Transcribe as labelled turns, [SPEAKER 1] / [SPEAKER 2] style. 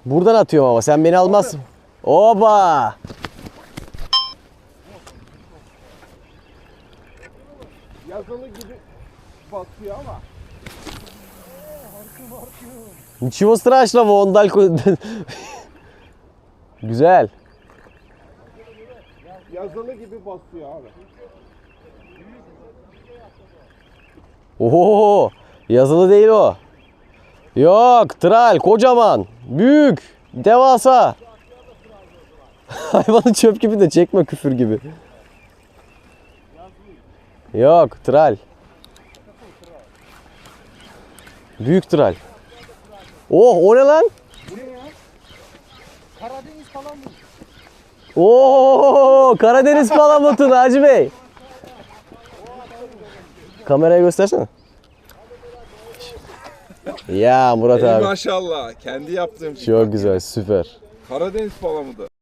[SPEAKER 1] Buradan atıyorum ama sen beni almazsın. Oba!
[SPEAKER 2] Yazılı gibi basıyor ama.
[SPEAKER 1] Ничего страшного, он дальку... Güzel.
[SPEAKER 2] Yazılı gibi basıyor abi.
[SPEAKER 1] Oo, yazılı değil o. Yok, tral, kocaman, büyük, devasa. Hayvanı çöp gibi de çekme küfür gibi. Yok, tral. Büyük tral. Oh, o ne lan?
[SPEAKER 2] Bu ne ya? Karadeniz falan mı?
[SPEAKER 1] Oo, Karadeniz palamutu Naci Bey. Kameraya göstersene. Ya Murat
[SPEAKER 3] Ey
[SPEAKER 1] abi.
[SPEAKER 3] maşallah. Kendi yaptığım
[SPEAKER 1] Çok güzel, süper.
[SPEAKER 3] Karadeniz palamudu.